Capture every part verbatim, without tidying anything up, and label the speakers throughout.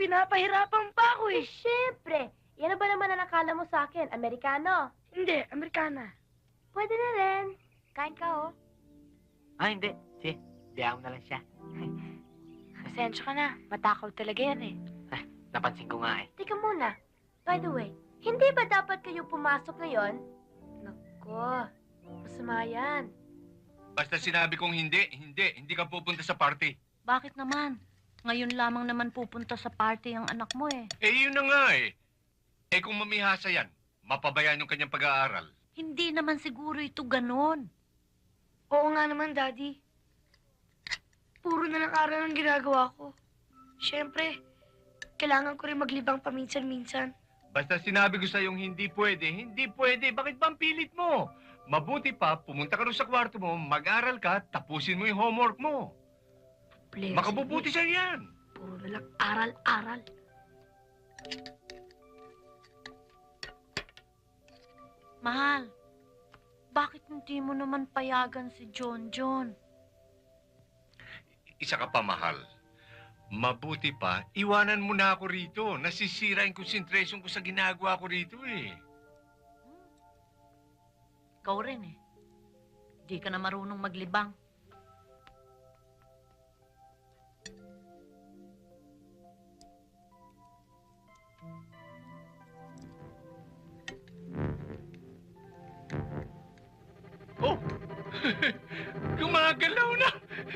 Speaker 1: Pinapahirapan pa ako
Speaker 2: Eh,
Speaker 1: eh.
Speaker 2: syempre. Yan na ba naman ang akala mo sa akin? Amerikano?
Speaker 1: Hindi, Amerikana.
Speaker 2: Pwede na rin. Kain ka, oh.
Speaker 3: Ah, hindi. Sige, biyaan mo na lang siya.
Speaker 2: Pasensya ka na. Matakaw talaga yan eh.
Speaker 3: Napansin ko nga eh.
Speaker 2: Teka muna. By the way, hindi ba dapat kayo pumasok ngayon? Nako, masama yan.
Speaker 4: Basta sinabi kong hindi, hindi. Hindi ka pupunta sa party.
Speaker 5: Bakit naman? Ngayon lamang naman pupunta sa party ang anak mo eh.
Speaker 4: Eh, yun na nga eh. Eh, kung mamihasa yan, mapabayaan yung kanyang pag-aaral.
Speaker 5: Hindi naman siguro ito ganon.
Speaker 1: Oo nga naman, Daddy. Puro na lang aral ang ginagawa ko. Siyempre, kailangan ko rin maglibang paminsan-minsan.
Speaker 4: Basta sinabi ko sa'yong hindi pwede, hindi pwede. Bakit ba ang pilit mo? Mabuti pa, pumunta ka rin sa kwarto mo, mag-aral ka, tapusin mo yung homework mo.
Speaker 1: Blessed
Speaker 4: Makabubuti
Speaker 1: be.
Speaker 4: sa'yo yan.
Speaker 1: Puro na lang aral-aral.
Speaker 5: Mahal, bakit hindi mo naman payagan si John John?
Speaker 4: Isa ka pa, mahal. Mabuti pa, iwanan mo na ako rito. Nasisira yung concentration ko sa ginagawa ko rito eh.
Speaker 5: Ikaw rin eh. Di ka na marunong maglibang.
Speaker 4: Oh! Gumagalaw na!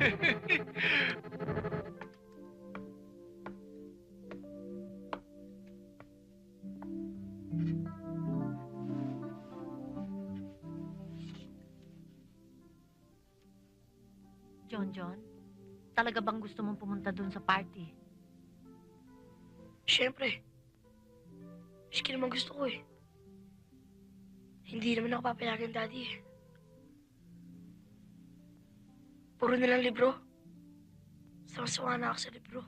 Speaker 5: John John, talaga bang gusto mong pumunta dun sa party?
Speaker 1: Siyempre. Miski naman gusto ko eh. Hindi naman ako papayagan, Daddy eh. Puro na lang libro. Sawa-sawa na ako sa libro.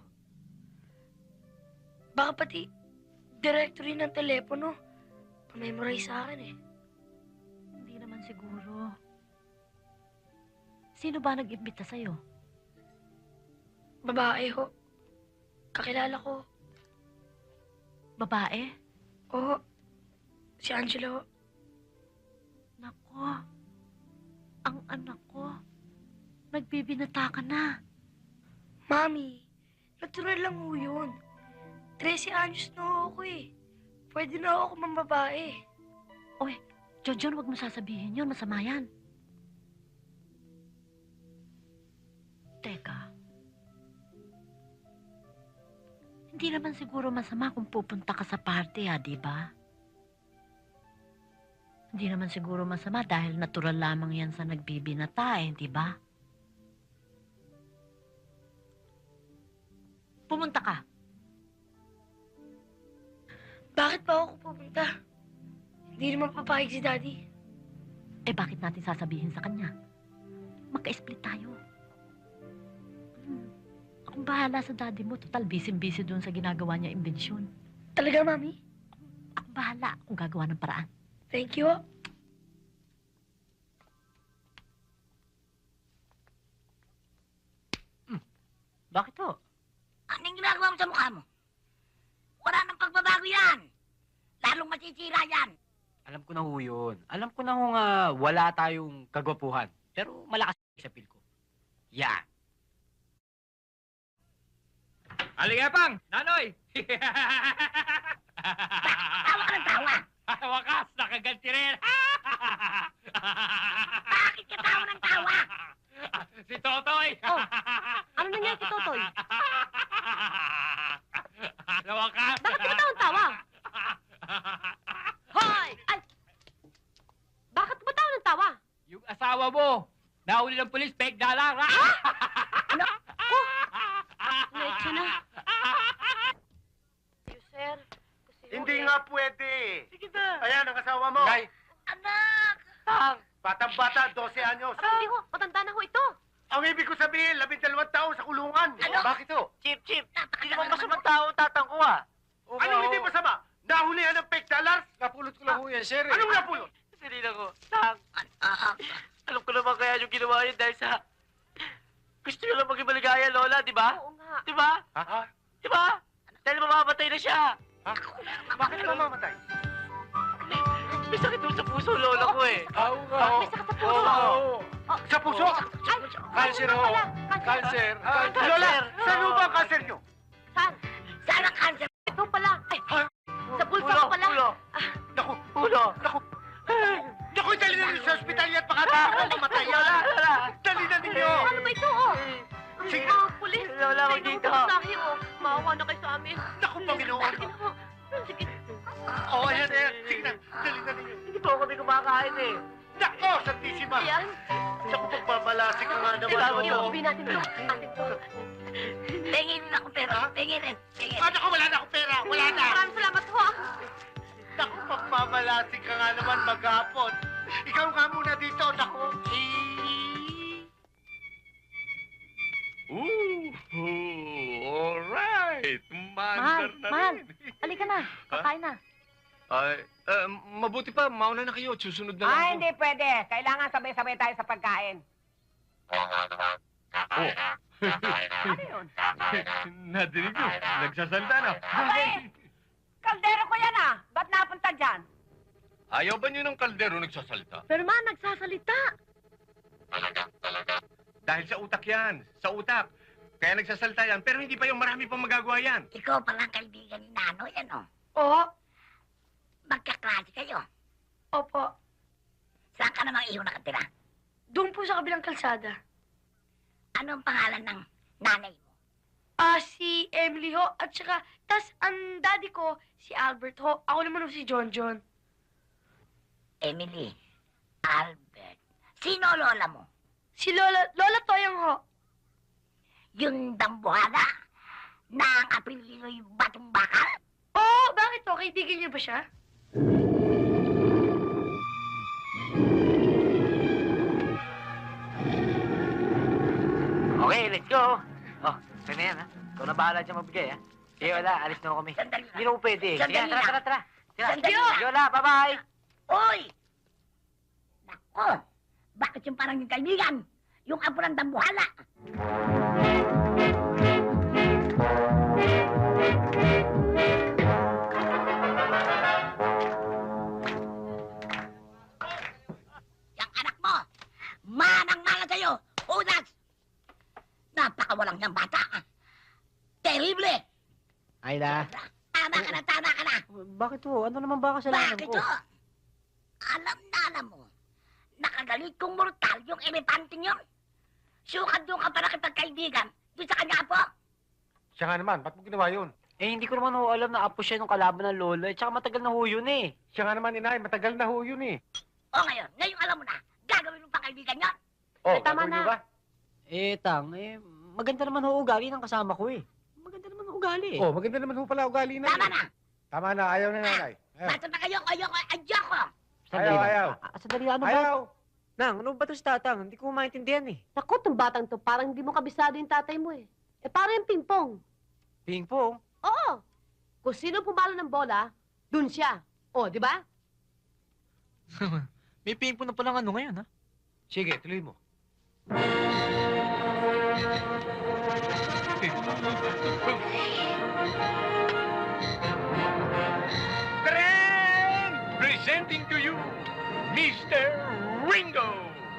Speaker 1: Baka pati directory ng telepono, pamemorize sa akin eh.
Speaker 5: Hindi naman siguro. Sino ba nag-imbita sa'yo?
Speaker 1: Babae ho. Kakilala ko.
Speaker 5: Babae?
Speaker 1: Oo. Si Angela ho.
Speaker 5: Nako, ang anak ko, nagbibinata ka na.
Speaker 1: Mami, natural lang ho yun. trese anyos na ho ako eh. Pwede na ho ako mambabae.
Speaker 5: Oy, John John, wag mo sasabihin yun. Masama yan. Teka. Hindi naman siguro masama kung pupunta ka sa party, ha, di ba? Hindi naman siguro masama dahil natural lamang yan sa nagbibinata, eh, di ba? Pumunta ka.
Speaker 1: Bakit pa ako pupunta? Hindi naman papayag si Daddy.
Speaker 5: Eh, bakit natin sasabihin sa kanya? Magka-split tayo. Hmm. Akong bahala sa daddy mo. Total, busy-busy doon sa ginagawa niya imbensyon.
Speaker 1: Talaga, Mami?
Speaker 5: Akong bahala kung gagawa ng paraan.
Speaker 1: Thank you.
Speaker 3: Bakit ho?
Speaker 6: Anong ginagawa mo sa mukha mo? Wala nang pagbabago yan. Lalong masisira yan.
Speaker 3: Alam ko na ho yun. Alam ko na ho nga wala tayong kagwapuhan. Pero malakas sa feel ko. Yan.
Speaker 7: Aligapang! Nanoy!
Speaker 6: Tawa ka ng tawa.
Speaker 7: Wakas! Nakaganti rin!
Speaker 6: Bakit ka tawa ng tawa?
Speaker 7: Si Totoy!
Speaker 2: Oh, ano nangyari kay Totoy?
Speaker 7: Sa wakas!
Speaker 2: Bakit ka tawang tawa? Hoy! Ay! Bakit ba tawa ng tawa?
Speaker 7: Yung asawa mo, nahuli ng polis, peg na lang!
Speaker 2: Ano? Oh! Leche na. You, sir. Kasi
Speaker 8: Hindi nga pwede.
Speaker 7: Sige na!
Speaker 8: Ayan ang asawa mo.
Speaker 4: Kay,
Speaker 6: Anak!
Speaker 7: Tang!
Speaker 8: Batang-bata, dose anyos.
Speaker 2: Hindi ho, matanda na ho ito.
Speaker 8: Ang ibig ko sabihin, labing dalawang taon sa kulungan.
Speaker 6: Ano?
Speaker 8: Bakit ho?
Speaker 3: Chip, Chip. Hindi
Speaker 6: Napakatawa
Speaker 3: naman masamang tao tatang ko, ah.
Speaker 8: Anong hindi masama? Nahulihan ng fake dollars?
Speaker 4: napulot ko lang ho yan, sir.
Speaker 8: Anong napulot?
Speaker 3: Sinila ko. Tang.
Speaker 6: Anak!
Speaker 3: Alam ko naman kaya yung ginawa yun dahil sa... Gusto nyo lang maging maligaya, Lola, di ba?
Speaker 2: Oo nga.
Speaker 3: Di ba?
Speaker 4: Ha?
Speaker 3: Di ba? Dahil mamamatay na siya.
Speaker 8: Ha? Bakit ka mamamatay?
Speaker 3: May sakit doon sa puso, lola ko eh.
Speaker 8: Aw, aw.
Speaker 5: May sakit sa puso.
Speaker 8: Sa puso?
Speaker 2: Cancer ho. Cancer.
Speaker 8: Ah, Lola, saan ho ba ang cancer nyo?
Speaker 2: Saan?
Speaker 6: Saan ang cancer?
Speaker 2: Ito pala. Ay, sa pulso
Speaker 8: Ulo,
Speaker 2: ko pala.
Speaker 8: ulo. Naku, ulo. Naku. Naku, dali na ninyo sa ospital yan. Baka nakakal mamatay yan. Dali na ninyo.
Speaker 2: Ano ba ito, oh?
Speaker 8: Sige.
Speaker 2: Ah, pulis.
Speaker 3: Lola,
Speaker 2: May
Speaker 3: wag dito.
Speaker 2: nangutasahe, oh. Maawa na kayo sa amin.
Speaker 8: Naku, Panginoon.
Speaker 2: Sige na, oh. Sige.
Speaker 8: Oo, ayan, ayan. Sige na, dali na ninyo.
Speaker 3: Hindi po kami kumakain eh.
Speaker 8: Nako, Santisima.
Speaker 2: Ayan.
Speaker 8: Naku, pagbabalasik ka nga naman.
Speaker 3: Kailangan
Speaker 8: oo.
Speaker 3: mo.
Speaker 2: Iuwi natin to. Atin to.
Speaker 6: Tingin rin ako pero.
Speaker 8: Ha?
Speaker 6: Tingin rin. Tingin.
Speaker 8: Ah, naku, wala na akong pera. Wala na.
Speaker 2: Maraming salamat ho. ah.
Speaker 8: Naku, pagbabalasik ka nga naman maghapon. Ikaw nga muna dito, naku.
Speaker 4: Ooh, alright.
Speaker 5: Mahal,
Speaker 4: Mandar na
Speaker 5: mahal.
Speaker 4: rin.
Speaker 5: Halika na. Kakain na.
Speaker 4: Ay, eh, mabuti pa, mauna na kayo. Susunod na lang
Speaker 9: Ah,
Speaker 4: ako.
Speaker 9: hindi pwede. Kailangan sabay-sabay tayo sa pagkain. Ano yun?
Speaker 4: Nadinig mo, nagsasalta na.
Speaker 9: Abay! Kaldero ko yan ah! Ba't napunta dyan?
Speaker 4: Ayaw ba niyo ng kaldero nagsasalta?
Speaker 5: Pero ma, nagsasalita.
Speaker 4: Dahil sa utak yan, sa utak. Kaya nagsasalta yan, pero hindi pa yung marami pang magagawa yan.
Speaker 6: Ikaw palang kaibigan ni Nano, yan o.
Speaker 1: Oo.
Speaker 6: Magkaklase kayo.
Speaker 1: Opo.
Speaker 6: Saan ka namang iyo nakatira?
Speaker 1: Doon po sa kabilang kalsada.
Speaker 6: Ano ang pangalan ng nanay mo?
Speaker 1: Ah, si Emily ho. At saka, tas ang daddy ko, si Albert ho. Ako naman ho si John John.
Speaker 6: Emily. Albert. Sino ang lola mo?
Speaker 1: Si Lola, Lola Toyang ho.
Speaker 6: Yung dambuhala na ang apelido'y Batong Bakal?
Speaker 1: Oo, bakit ho? Kaibigan niyo ba siya?
Speaker 3: Okay, let's go. Oh, ito na yan ha. Ikaw na bahala dyan magbigay ha. Sige, wala. Alis na ako kami.
Speaker 6: Sandali
Speaker 3: Hindi
Speaker 6: lang.
Speaker 3: na ko pwede. Sige,
Speaker 6: Sandali
Speaker 3: tara,
Speaker 6: lang.
Speaker 3: tara, tara. Tara.
Speaker 6: Sandali
Speaker 3: Sige,
Speaker 6: lang.
Speaker 3: Lola, bye-bye.
Speaker 6: Uy! Nako! Bakit yung parang yung kaibigan? Yung apo ng dambuhala? Yang anak mo, manang-mana sa'yo, unas! Napakawalang niyang bata. Terrible!
Speaker 3: Ayla.
Speaker 6: Tama ka na, tama ka na!
Speaker 3: Bakit ho? Ano naman ba kasalanan
Speaker 6: Bakit
Speaker 3: ko?
Speaker 6: o? Alam na alam mo, nakagalit kong mortal yung elepanting yun. Sukat doon ka para kitagkaibigan doon sa kanya apo.
Speaker 8: Siya nga naman, ba't mo ginawa yun?
Speaker 3: Eh, hindi ko naman ho alam na apo siya nung kalaban ng lola. Eh, tsaka matagal na ho yun eh.
Speaker 8: Siya nga naman, inay, matagal na ho yun eh.
Speaker 6: O ngayon, ngayon alam mo na, gagawin mo pa kaibigan yun.
Speaker 8: Oh,
Speaker 5: Eh, tama
Speaker 8: gagawin niyo
Speaker 5: na.
Speaker 8: ba?
Speaker 3: Eh, tang, eh, maganda naman ho ugali ng kasama ko eh. Maganda naman ho ugali eh.
Speaker 8: Oh, maganda naman ho pala ugali na.
Speaker 6: Tama
Speaker 8: eh.
Speaker 6: na,
Speaker 8: Tama na, ayaw na nanay. Ayaw.
Speaker 6: basta na kayo, ayoko, ayoko.
Speaker 3: Sandali
Speaker 8: ayaw,
Speaker 3: lang.
Speaker 8: ayaw.
Speaker 3: Ah, ah, sandali, ano ba?
Speaker 8: Ayaw!
Speaker 3: Nang, ano ba to si tatang? Hindi ko maintindihan eh.
Speaker 2: Naku, tong batang to, parang hindi mo kabisado yung tatay mo eh. Eh, parang yung pingpong.
Speaker 3: Ping pong.
Speaker 2: Oo. Kung sino pumalo ng bola, dun siya. O, di ba?
Speaker 3: May ping pong na palang ano ngayon ha?
Speaker 8: Sige, tuloy mo.
Speaker 4: Karen! Presenting to you, Mister Ringo!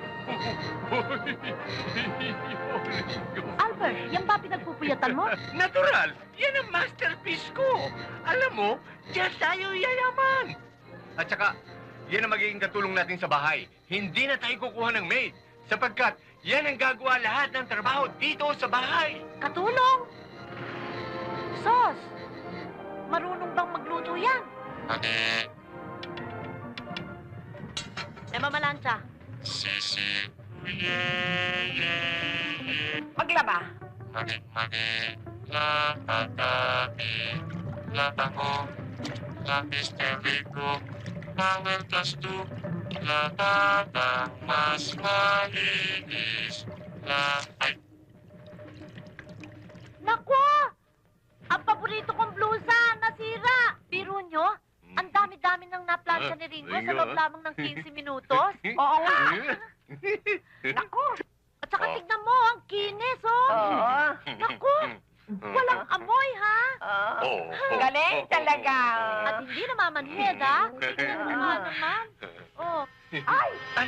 Speaker 5: Albert, yan ba pinagpupuyatan mo?
Speaker 4: Natural! Yan ang masterpiece ko! Alam mo, diyan tayo yayaman! At saka, yan ang magiging katulong natin sa bahay. Hindi na tayo kukuha ng maid. Sapagkat, yan ang gagawa lahat ng trabaho dito sa bahay.
Speaker 5: Katulong? Sos, marunong bang magluto yan? Eh, mamalansya.
Speaker 9: Maglaba.
Speaker 5: Naku! Ang paborito kong blusa, nasira! Biro nyo, ang dami-dami nang naplansya ni Ringo sa loob lamang ng fifteen minutos. Oo nga. Naku! At saka tignan mo, ang kinis, oh!
Speaker 9: Oo.
Speaker 5: Naku! Walang amoy, ha?
Speaker 9: Ah,
Speaker 4: Oh,
Speaker 9: galing talaga.
Speaker 5: At hindi namamanhid, ha? Tingnan mo nga naman. Oh.
Speaker 9: Ay!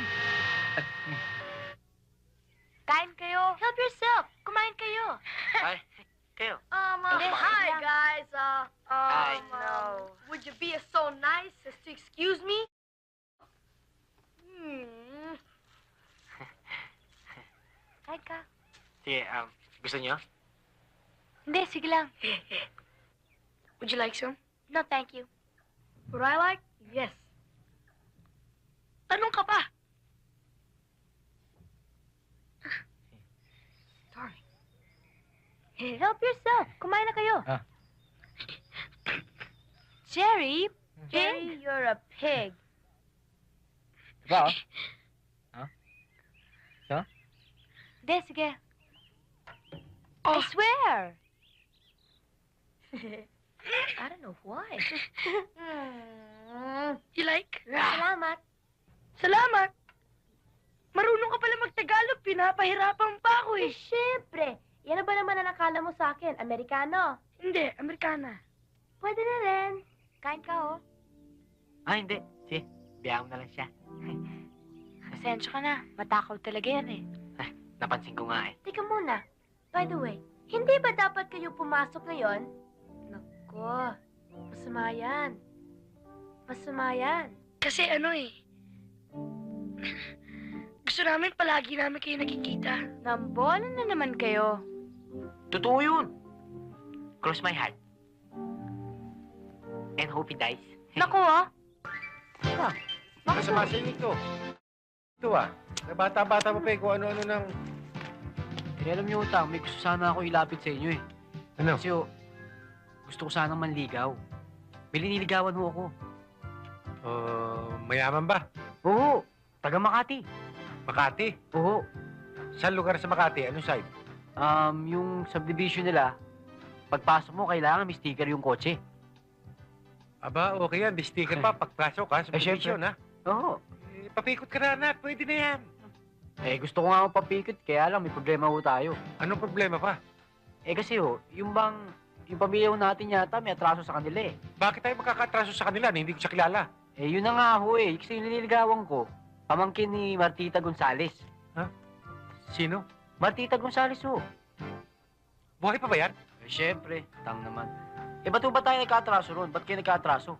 Speaker 2: Kain kayo. Help yourself. Kumain kayo.
Speaker 3: Ay, kayo.
Speaker 2: Um, uh,
Speaker 5: Hindi,
Speaker 2: hi,
Speaker 5: lang.
Speaker 2: guys. Uh, um,
Speaker 3: Hi.
Speaker 2: um, would you be so nice as to excuse me? Hmm.
Speaker 5: Kain ka.
Speaker 3: Sige, um, gusto niyo?
Speaker 2: Hindi, sige lang. Would you like some?
Speaker 5: No, thank you.
Speaker 2: Would I like? Yes. Tanong ka pa. Sorry.
Speaker 5: Help yourself. Kumain na kayo.
Speaker 3: Ah.
Speaker 5: Jerry, Jerry, you're a pig.
Speaker 3: Ba, oh?
Speaker 5: Hindi, sige.
Speaker 1: Oh.
Speaker 5: I swear. I don't know why.
Speaker 1: You like?
Speaker 5: Salamat.
Speaker 1: Salamat. Marunong ka pala mag-Tagalog. Pinapahirapan pa ako
Speaker 2: Eh,
Speaker 1: eh.
Speaker 2: syempre. Yan na ba naman ang nakala mo sa akin? Amerikano?
Speaker 1: Hindi, Amerikana.
Speaker 2: Pwede na rin.
Speaker 5: Kain ka, oh.
Speaker 3: Ah, hindi. Sige, biyaan mo na lang siya.
Speaker 5: Pasensya ka na. Matakaw talaga yan, eh.
Speaker 3: Napansin ko nga eh.
Speaker 2: Teka muna. By the way, hindi ba dapat kayo pumasok ngayon? Nako, masama yan. Masama yan.
Speaker 1: Kasi ano eh. Gusto namin palagi namin kayo nakikita.
Speaker 5: Nambola na naman kayo.
Speaker 3: Totoo yun. Cross my heart. And hope he dies.
Speaker 5: Naku, oh.
Speaker 8: Masama sa inyo ito. Ito ah. Na bata-bata mo pa eh kung ano-ano ng...
Speaker 3: Eh, alam niyo, Utang, may gusto sana ako ilapit sa inyo eh.
Speaker 8: Ano?
Speaker 3: Kasi oh, gusto ko sanang manligaw. May liniligawan ho ako.
Speaker 8: Uh, mayaman ba?
Speaker 3: Oo, taga Makati.
Speaker 8: Makati?
Speaker 3: Oo.
Speaker 8: Saan lugar sa Makati? Anong side?
Speaker 3: Um, yung subdivision nila, pagpasok mo, kailangan may sticker yung kotse.
Speaker 8: Aba, okay yan. May sticker pa. Pagpasok ha, sa
Speaker 3: Eh,
Speaker 8: position ha.
Speaker 3: Oo.
Speaker 8: Eh, papikot ka na, anak. Pwede na yan.
Speaker 3: Eh, gusto ko nga akong papikit, kaya lang may problema ho tayo.
Speaker 8: Anong problema pa?
Speaker 3: Eh kasi ho, yung bang, yung pamilya ho natin yata may atraso sa kanila eh.
Speaker 8: Bakit tayo magkakatraso sa kanila na hindi ko siya kilala?
Speaker 3: Eh, yun na nga ho eh. Kasi yung nililigawan ko, pamangkin ni Martita Gonzales.
Speaker 8: Sino?
Speaker 3: Martita Gonzales ho.
Speaker 8: Buhay pa ba yan?
Speaker 3: Eh, syempre, tang naman. Eh, ba't ho ba tayo nagkatraso ron? Ba't kayo nagkatraso?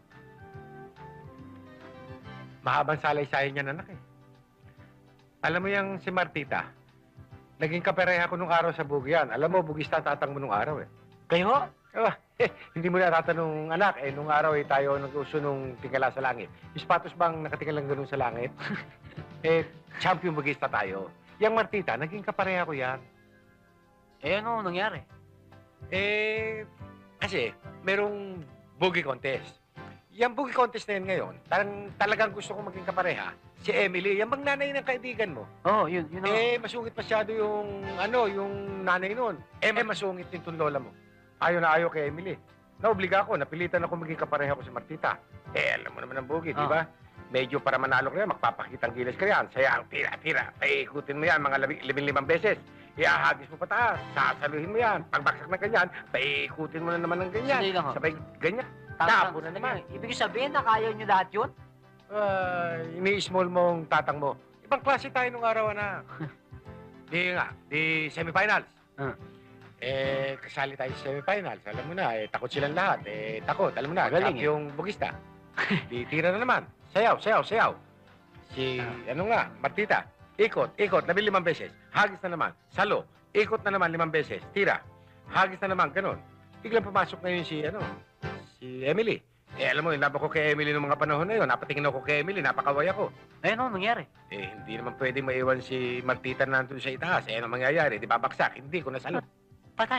Speaker 8: Mahabang salaysay niyan, anak eh. Alam mo yung si Martita, naging kapareha ko nung araw sa Bugyan. Alam mo, bugista tatang mo nung araw eh.
Speaker 3: Kayo ho?
Speaker 8: Ah, eh, hindi mo na tatanong, anak, eh, nung araw eh, tayo nag-uso nung tingala sa langit. Yung sapatos bang nakatingala lang ganun sa langit? eh, champion bugista tayo. Yang Martita, naging kapareha ko yan.
Speaker 3: Eh, ano nangyari?
Speaker 8: Eh, kasi, merong boogie contest. Yung boogie contest na yun ngayon, talagang, talagang gusto kong maging kapareha. Si Emily, yung bang nanay ng kaibigan mo.
Speaker 3: Oo, oh, yun, yun ho.
Speaker 8: Eh, masungit masyado yung, ano, yung nanay nun. Eh, masungit din tong lola mo. Ayaw na ayaw kay Emily. Naobliga ako, napilitan ako maging kapareha ko si Martita. Eh, alam mo naman ang boogie, di
Speaker 3: Ah.
Speaker 8: ba? Medyo para manalo ka yan, magpapakitang gilas ka yan. Sayang, tira, tira. Paikutin mo yan mga labi, limang beses. Iahagis mo pataas, sasaluhin mo yan. Pagbaksak na ganyan, paikutin mo na naman ng ganyan.
Speaker 3: Sandali lang, ho.
Speaker 8: Sabay, ganyan.
Speaker 3: Tama,
Speaker 8: Tapo na
Speaker 3: sandali
Speaker 8: naman.
Speaker 3: lang. Ibig sabihin na kaya nyo lahat yun?
Speaker 8: Ah, ini-small mong tatang mo. Ibang klase tayo nung araw na. Di nga, di semifinals.
Speaker 3: Ah.
Speaker 8: Eh, kasali tayo sa semifinals. Alam mo na, eh, takot silang lahat. Eh, takot. Alam mo na,
Speaker 3: Magaling, eh.
Speaker 8: yung bugista. Di tira na naman. Sayaw, sayaw, sayaw. Si, ano nga, Martita. Ikot, ikot, labi limang beses. Hagis na naman. Salo, ikot na naman limang beses. Tira. Hagis na naman, ganun. Biglang pumasok ngayon si, ano, si Emily. Eh, alam mo, inlaba ko kay Emily noong mga panahon na yun. Napatingin ako kay Emily, napakaway ako.
Speaker 3: Eh, ano nangyari?
Speaker 8: Eh, hindi naman pwedeng maiwan si Martita na nandun sa itaas. Eh, ano mangyayari? Di babaksak? Hindi ko nasalo.
Speaker 3: Patay.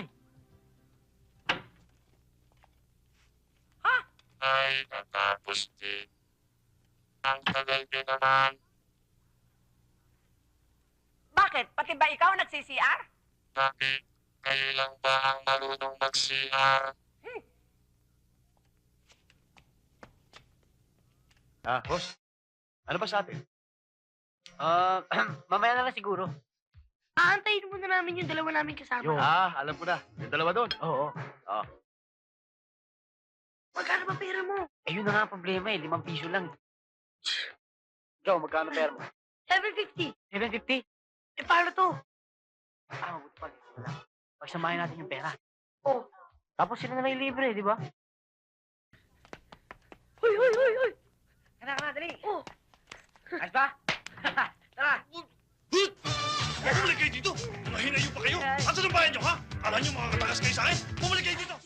Speaker 10: Ay, natapos din. Ang tagal din naman.
Speaker 9: Bakit? Pati ba ikaw nagsi-C R?
Speaker 10: Bakit? Kayo lang ba ang marunong mag-C R?
Speaker 8: Ah, boss. Ano ba sa atin?
Speaker 3: Ah, mamaya na lang siguro.
Speaker 1: Aantayin muna namin yung dalawa namin kasama.
Speaker 3: Yo.
Speaker 8: Ah, alam ko na. Yung dalawa doon.
Speaker 3: Oo.
Speaker 8: Oh.
Speaker 3: Eh, yun na nga ang problema eh. Limang piso lang. Ikaw, magkano pera mo?
Speaker 1: seven fifty.
Speaker 3: seven fifty?
Speaker 1: Eh, paano to?
Speaker 3: Ah, mabuti pa. Wala. Pagsamahin natin yung pera.
Speaker 1: Oh.
Speaker 3: Tapos sila na may libre, di ba?
Speaker 1: Hoy, hoy, hoy, hoy!
Speaker 3: Kana, kana, dali!
Speaker 1: Oh.
Speaker 3: Ayos ba? Tara!
Speaker 11: Bumalik kayo dito! Mahina pa kayo! Asan ang bayan nyo, ha? Alam nyo, mga katakas kayo sa akin? Bumalik kayo dito!